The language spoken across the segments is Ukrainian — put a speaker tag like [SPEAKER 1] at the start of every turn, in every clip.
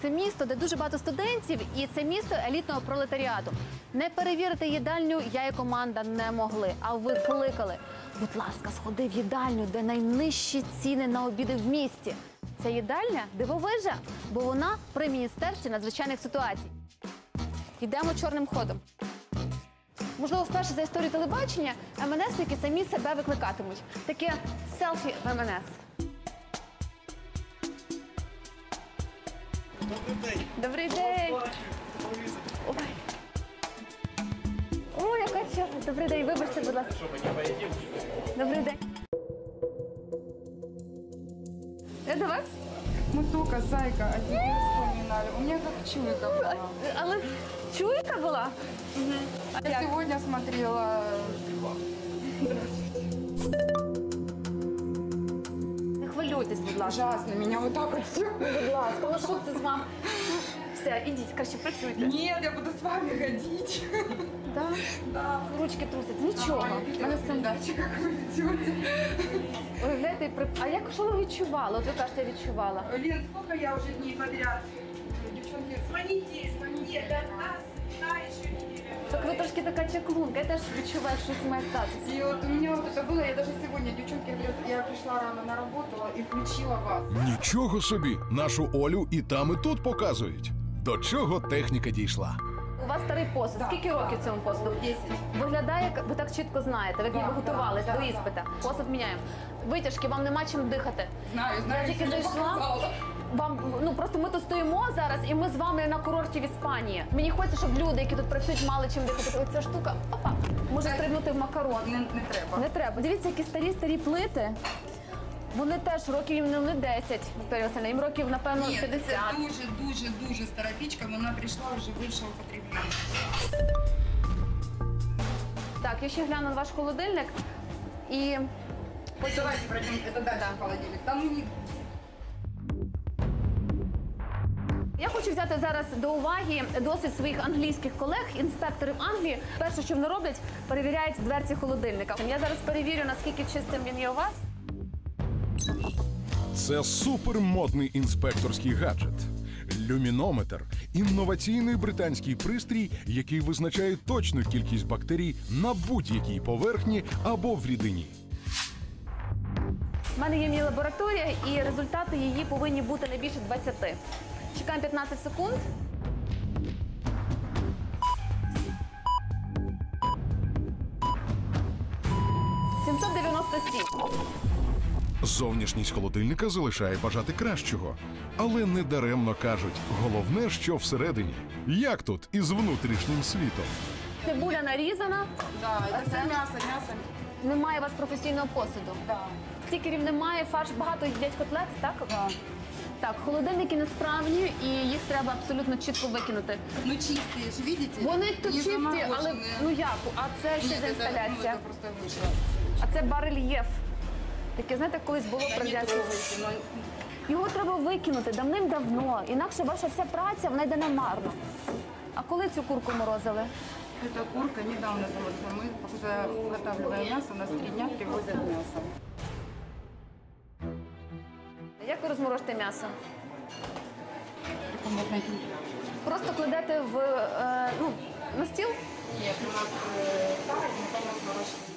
[SPEAKER 1] Це місто, де дуже багато студентів, і це місто елітного пролетаріату. Не перевірити їдальню я і команда не могли, а ви кликали. Будь ласка, сходи в їдальню, де найнижчі ціни на обіди в місті. Ця їдальня дивовижа, бо вона при Міністерстві надзвичайних ситуацій. Йдемо чорним ходом. Можливо, вперше за історію телебачення МНСники самі себе викликатимуть. Таке селфі в МНС.
[SPEAKER 2] Добрий день.
[SPEAKER 1] Добрий день. Ой. Ой, яка чорна. Добрий день, вибачте, будь ласка. Добрий день. Я до вас?
[SPEAKER 3] Мы только, зайка, один раз вспоминали. У меня как чуйка была.
[SPEAKER 1] Але чуйка була? А
[SPEAKER 3] Я
[SPEAKER 1] як?
[SPEAKER 3] сегодня смотрела.
[SPEAKER 1] Не хвилюйтесь, будь ласка.
[SPEAKER 3] Ужасно, меня вот так вот все.
[SPEAKER 1] Будь ласка, ну що це з вами? Все, ідіть, краще працюйте.
[SPEAKER 3] Нет, я буду с вами ходить.
[SPEAKER 1] Да?
[SPEAKER 3] Да.
[SPEAKER 1] Ручки трусять. Нічого.
[SPEAKER 3] Я
[SPEAKER 1] Мене
[SPEAKER 3] видела
[SPEAKER 1] сам...
[SPEAKER 3] передачи, как вы ведете.
[SPEAKER 1] Уявляєте, а як, що ви відчували? От ви кажете, я відчувала.
[SPEAKER 3] Лен, сколько я уже дней подряд? Девчонки,
[SPEAKER 4] Звоните, звоните, до нас, да, еще неделя.
[SPEAKER 1] Так ви трошки така чаклунка, я теж відчуваю, що щось має статися.
[SPEAKER 3] и вот у меня вот это было, я даже сегодня, девчонки, говорят, я пришла рано на работу и включила вас.
[SPEAKER 5] Нічого собі, нашу Олю і там, і тут показують. До чого техніка дійшла.
[SPEAKER 1] У вас старий посуд.
[SPEAKER 3] Да,
[SPEAKER 1] Скільки років
[SPEAKER 3] да.
[SPEAKER 1] цьому посуду?
[SPEAKER 3] 10.
[SPEAKER 1] Виглядає, як ви так чітко знаєте, ви ніби
[SPEAKER 3] Да,
[SPEAKER 1] готувалися
[SPEAKER 3] да,
[SPEAKER 1] до
[SPEAKER 3] да,
[SPEAKER 1] іспита. Посуд міняємо. Витяжки, вам нема чим дихати.
[SPEAKER 3] Знаю,
[SPEAKER 1] Я тільки
[SPEAKER 3] сегодня
[SPEAKER 1] зайшла.
[SPEAKER 3] показала.
[SPEAKER 1] Вам, ну просто ми тут стоїмо зараз, і ми з вами на курорті в Іспанії. Мені хочеться, щоб люди, які тут працюють, мали чим дихати. Оця штука, опа, може стрибнути в макарон.
[SPEAKER 3] Не треба.
[SPEAKER 1] Не треба. Дивіться, які старі плити. Вони теж років їм не 10, Вікторія Васильівна, їм років, напевно,
[SPEAKER 3] Ні,
[SPEAKER 1] 50.
[SPEAKER 3] це дуже стара пічка, вона прийшла вже бившого потреблення.
[SPEAKER 1] Так, я ще гляну на ваш холодильник і
[SPEAKER 3] Давайте пройдем, это дальше холодильник. Там у них
[SPEAKER 1] я хочу взяти зараз до уваги досвід своїх англійських колег, інспекторів Англії. Перше, що вони роблять, перевіряють дверці холодильника. Я зараз перевірю, наскільки чистим він є у вас.
[SPEAKER 5] Це супермодний інспекторський гаджет. Люмінометр – інноваційний британський пристрій, який визначає точну кількість бактерій на будь-якій поверхні або в рідині.
[SPEAKER 1] У мене є міні-лабораторія, і результати її повинні бути не більше 20. Чекаємо 15 секунд.
[SPEAKER 5] Зовнішність холодильника залишає бажати кращого. Але не даремно кажуть, головне, що всередині. Як тут із внутрішнім світом?
[SPEAKER 1] Цибуля нарізана,
[SPEAKER 3] да, это
[SPEAKER 1] це?
[SPEAKER 3] все мясо.
[SPEAKER 1] немає у вас професійного посуду.
[SPEAKER 3] Да.
[SPEAKER 1] Стікерів немає, фарш багато їдять котлет, так?
[SPEAKER 3] Да.
[SPEAKER 1] Так, холодильники несправні і їх треба абсолютно чітко викинути.
[SPEAKER 3] Ну чистые же, видите?
[SPEAKER 1] Вони тут
[SPEAKER 3] Не
[SPEAKER 1] чисті, але
[SPEAKER 3] замороженные.
[SPEAKER 1] ну як? А це що
[SPEAKER 3] Нет,
[SPEAKER 1] за
[SPEAKER 3] это,
[SPEAKER 1] інсталяція?
[SPEAKER 3] это просто вышло.
[SPEAKER 1] А це барельєф. Таке, знаєте, колись було
[SPEAKER 3] Да
[SPEAKER 1] при
[SPEAKER 3] не
[SPEAKER 1] радянській.
[SPEAKER 3] трогайте, но
[SPEAKER 1] Його треба викинути давним-давно, інакше ваша вся праця вона йде намарно. А коли цю курку морозили?
[SPEAKER 3] эта курка недавно заморожена. Мы заготавливаем мясо, у нас 3 дня привозят мясо.
[SPEAKER 1] Як ви розморожите м'ясо?
[SPEAKER 3] Комнатная температура.
[SPEAKER 1] Просто кладете в, на стіл?
[SPEAKER 3] Нет, у нас тарик, но там размороженный.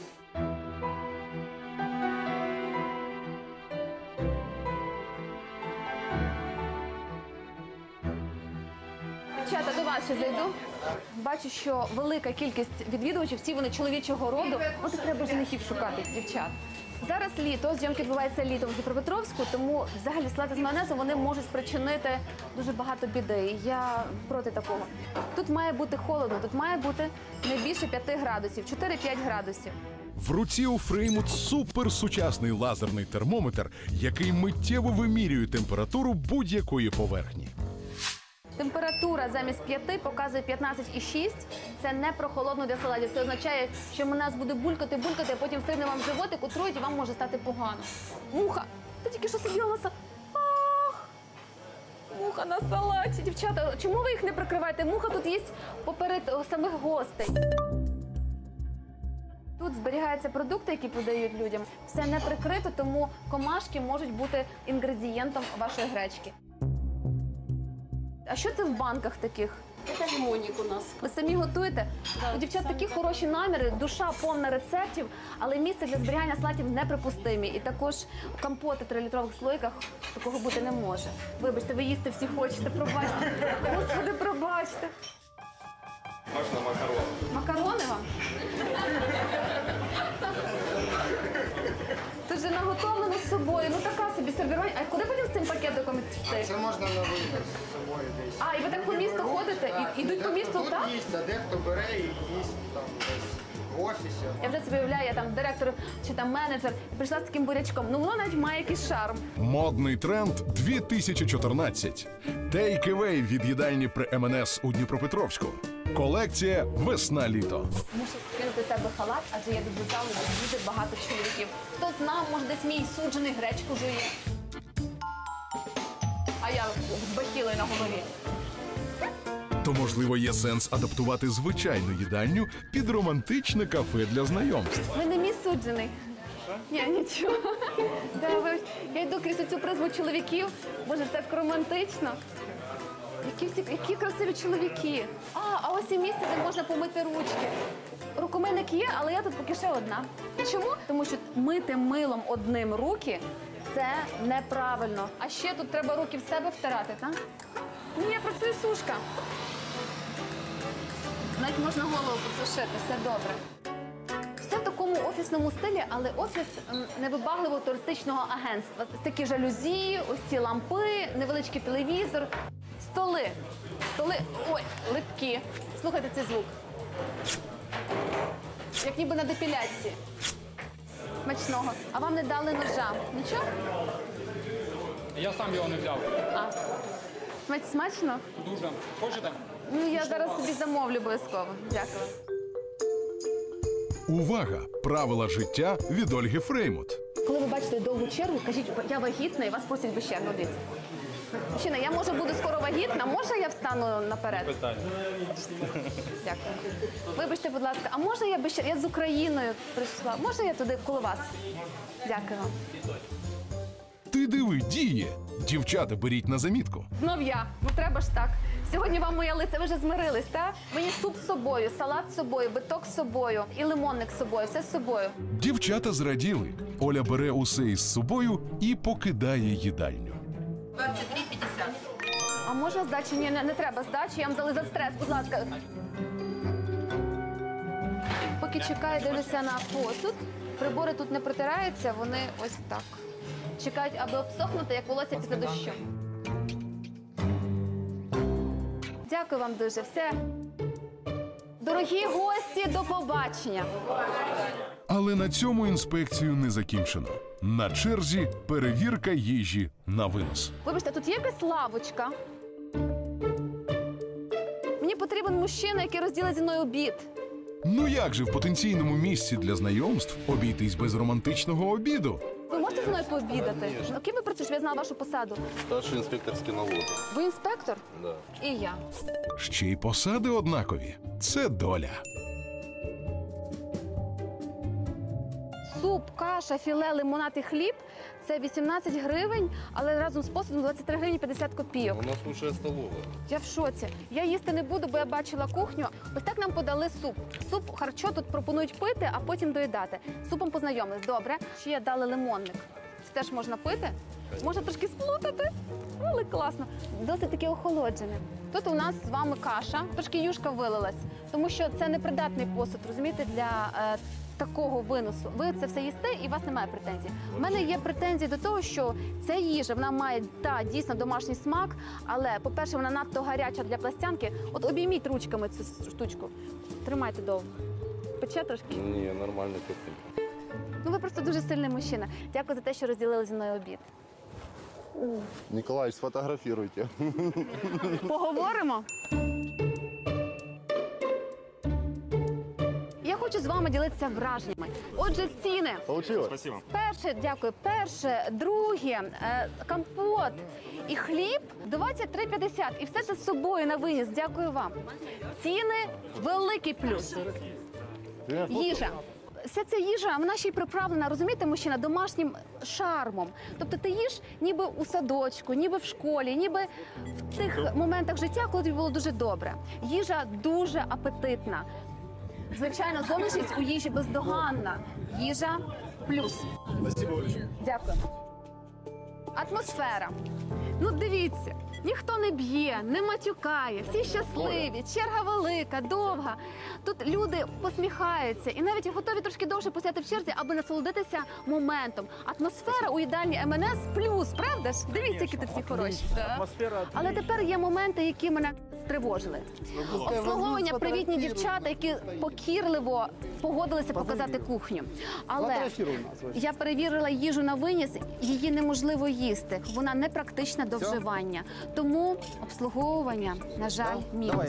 [SPEAKER 1] Дівчата, до вас ще зайду. Бачу, що велика кількість відвідувачів, всі вони чоловічого роду. От і треба женихів шукати, дівчат. Зараз літо, зйомки відбуваються літом в Дніпропетровську, тому взагалі салати з майонезом вони можуть спричинити дуже багато біди. Я проти такого. Тут має бути холодно, тут має бути не більше 5 градусів, 4-5 градусів.
[SPEAKER 5] В руці у Фреймут суперсучасний лазерний термометр, який миттєво вимірює температуру будь-якої поверхні.
[SPEAKER 1] Температура замість 5 показує 15,6. Це не прохолодно для салатів. Це означає, що нас буде булькати, а потім стрибне вам в животик, отруїть і вам може стати погано. Муха! Ти тільки що сиділа на салаті. Ах! Муха на салаті. Дівчата, чому ви їх не прикриваєте? Муха тут є поперед самих гостей. Тут зберігаються продукти, які подають людям. Все не прикрито, тому комашки можуть бути інгредієнтом вашої гречки. А що це в банках таких?
[SPEAKER 2] Это лимонник у нас.
[SPEAKER 1] Ви самі готуєте? У дівчат такі хороші наміри, душа повна рецептів, але місце для зберігання салатів неприпустимі. І також компоти в 3-літрових слойках такого бути не може. Вибачте, ви їсти всі хочете, пробачте. Господи, пробачте.
[SPEAKER 6] Можна макарони.
[SPEAKER 1] Макарони вам? Це вже наготовлено з собою. Ну така собі сервірування. А куди потім з цим пакетиком йти?
[SPEAKER 6] Це можна на винос з собою десь.
[SPEAKER 1] А, і ви так по місту ходите? І йдуть по місту,
[SPEAKER 6] Тут
[SPEAKER 1] так?
[SPEAKER 6] їсть, а дехто бере і їсть там десь в офісі.
[SPEAKER 1] Я вже собі уявляю, я там директор чи там менеджер, і прийшла з таким бурячком. Ну воно навіть має якийсь шарм.
[SPEAKER 5] Модний тренд 2014. Take-away від їдальні при МНС у Дніпропетровську. Колекція «Весна-літо».
[SPEAKER 1] Мушу скинути з себе халат, адже я люблю залу, де дуже багато чоловіків. Хто знав, може десь мій суджений гречку жує. А я з бахілою на голові.
[SPEAKER 5] То, можливо, є сенс адаптувати звичайну їдальню під романтичне кафе для знайомств.
[SPEAKER 1] Ви не мій суджений. Ні, нічого. Я йду крізь цю призму чоловіків. Боже, так романтично. Які красиві чоловіки. А ось і місце, де можна помити ручки. Рукомийник є, але я тут поки ще одна. Чому? Тому що мити милом одним руки – це неправильно. А ще тут треба руки в себе втирати, так? Ні, я працюю сушка. Навіть можна голову посушити, все добре. Все в такому офісному стилі, але офіс невибагливого туристичного агентства. Такі жалюзі, ось ці лампи, невеличкий телевізор. Столи. Ой, липкі. Слухайте цей звук. Як ніби на депіляції. Смачного. А вам не дали ножа? Нічого?
[SPEAKER 7] Я сам його не взяв.
[SPEAKER 1] Смачно?
[SPEAKER 7] Дуже. Хочете?
[SPEAKER 1] Ну, я зараз собі замовлю обов'язково. Дякую.
[SPEAKER 5] Увага! Правила життя від Ольги Фреймут.
[SPEAKER 1] Коли ви бачите довгу чергу, кажіть, я вагітна, і вас просять без черги. Дивіться. Мужчина, я може буду скоро вагітна, може я встану наперед?
[SPEAKER 7] Питання.
[SPEAKER 1] Дякую. Вибачте, будь ласка, а можна я без черги? Я з Україною прийшла. Можна я туди коло вас? Дякую вам.
[SPEAKER 5] Ти диви, діє! Дівчата, беріть на замітку.
[SPEAKER 1] Знов я. Ну треба ж так. Сьогодні вам моя лиця, ви вже змирились, так? Мені суп з собою, салат з собою, биток з собою і лимонник з собою, все з собою.
[SPEAKER 5] Дівчата зраділи. Оля бере усе із собою і покидає їдальню.
[SPEAKER 3] 23,50.
[SPEAKER 1] А можна здачі? Ні, не треба здачі, я вам дали за стрес, будь ласка. Поки чекаю, дивлюся на посуд. Прибори тут не протираються, вони ось так. Чекають, аби обсохнути, як волосся після дощу. Дякую вам дуже. Все. Дорогі гості, до побачення.
[SPEAKER 5] Але на цьому інспекцію не закінчено. На черзі перевірка їжі на винос.
[SPEAKER 1] Вибачте, тут є якась лавочка? Мені потрібен мужчина, який розділить зі мною обід.
[SPEAKER 5] Ну як же в потенційному місці для знайомств обійтись без романтичного обіду?
[SPEAKER 1] Ви можете зі мною пообідати? Ну, ким ви працюєте, щоб я знала вашу посаду?
[SPEAKER 8] Старший інспекторський налоги.
[SPEAKER 1] Ви інспектор?
[SPEAKER 8] Да.
[SPEAKER 1] І я.
[SPEAKER 5] Ще й посади однакові. Це доля.
[SPEAKER 1] Суп, каша, філе, лимонад і хліб – це 18 гривень, але разом з посудом 23 гривні 50 копійок.
[SPEAKER 8] У нас лучшая столовая.
[SPEAKER 1] Я в шоці. Я їсти не буду, бо я бачила кухню. Ось так нам подали суп. Суп харчо тут пропонують пити, а потім доїдати. З супом познайомились. Добре. Ще дали лимонник. Це теж можна пити. Можна трошки сплутати, але класно. Досить таки охолоджене. Тут у нас з вами каша, трошки юшка вилилась, тому що це непридатний посуд, розумієте, для такого виносу. Ви це все їсте і у вас немає претензій. У мене є претензії до того, що ця їжа, вона має, дійсно домашній смак, але, по-перше, вона надто гаряча для пластянки. От обійміть ручками цю штучку. Тримайте довго. Пече трошки?
[SPEAKER 8] Ні, нормально тепленько.
[SPEAKER 1] Ну, ви просто дуже сильний мужчина. Дякую за те, що розділили зі мною обід.
[SPEAKER 8] Николай, сфотографируйте.
[SPEAKER 1] Поговоримо? Я хочу з вами ділитися враженнями. Отже, ціни.
[SPEAKER 8] Получилось?
[SPEAKER 6] Спасибо.
[SPEAKER 1] Перше, дякую. Перше, друге, компот і хліб 23,50. І все це з собою на виніс. Дякую вам. Ціни – великий плюс. Їжа. вся ця їжа, вона ще й приправлена, розумієте, мужчина, домашнім шармом. Тобто ти їш ніби у садочку, ніби в школі, ніби в тих моментах життя, коли тобі було дуже добре. Їжа дуже апетитна. Звичайно, зовнішність у їжі бездоганна. Їжа плюс. Дякую. Атмосфера. Ну, дивіться, ніхто не б'є, не матюкає, всі щасливі, черга велика, довга. Тут люди посміхаються і навіть готові трошки довше постояти в черзі, аби насолодитися моментом. Атмосфера у їдальні МНС плюс, правда ж? Дивіться, які тут всі хороші. Але тепер є моменти, які мене стривожили. Обслуговування, привітні дівчата, які покірливо погодилися показати кухню. Але я перевірила їжу на виніс, її неможливо їсти. Вона не практична до вживання. Тому обслуговування, на жаль, мінус.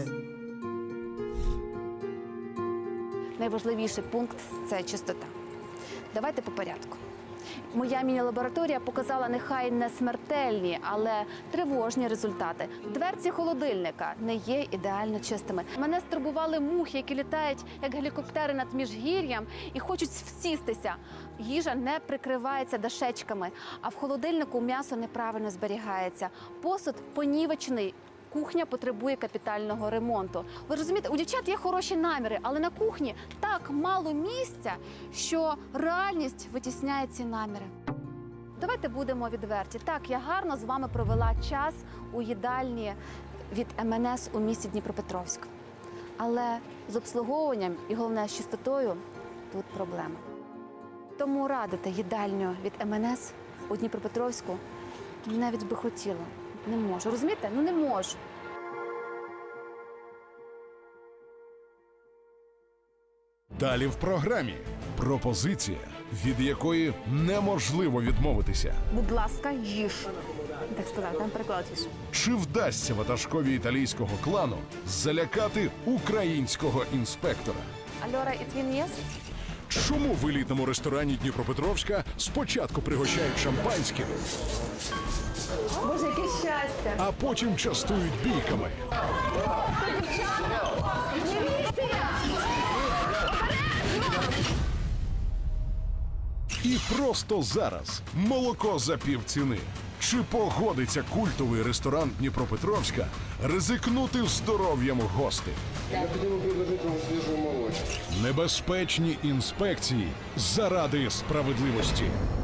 [SPEAKER 1] Найважливіший пункт – це чистота. Давайте по порядку. Моя міні-лабораторія показала нехай не смертельні, але тривожні результати. Дверці холодильника не є ідеально чистими. Мене стурбували мухи, які літають, як гелікоптери над міжгір'ям і хочуть всістися. Їжа не прикривається дашечками, а в холодильнику м'ясо неправильно зберігається. Посуд понівечений. Кухня потребує капітального ремонту. Ви розумієте, у дівчат є хороші наміри, але на кухні так мало місця, що реальність витісняє ці наміри. Давайте будемо відверті. Так, я гарно з вами провела час у їдальні від МНС у місті Дніпропетровськ. Але з обслуговуванням і, головне, з чистотою тут проблема. Тому радити їдальню від МНС у Дніпропетровську навіть би хотіла. Не можу. Розумієте? Ну не можу.
[SPEAKER 5] Далі в програмі пропозиція, від якої неможливо відмовитися.
[SPEAKER 1] Будь ласка, їж. Так сказати, там переклад їж.
[SPEAKER 5] Чи вдасться ватажкові італійського клану залякати українського інспектора?
[SPEAKER 1] Альора, it's been yes?
[SPEAKER 5] Чому в елітному ресторані Дніпропетровська спочатку пригощають шампанським,
[SPEAKER 1] Боже, яке щастя!
[SPEAKER 5] а потім частують бійками? І просто зараз молоко за півціни. Чи погодиться культовий ресторан Дніпропетровська ризикнути здоров'ям гостей?
[SPEAKER 6] Необходимо предложить вам свежую молочку.
[SPEAKER 5] Небезпечні інспекції заради справедливості.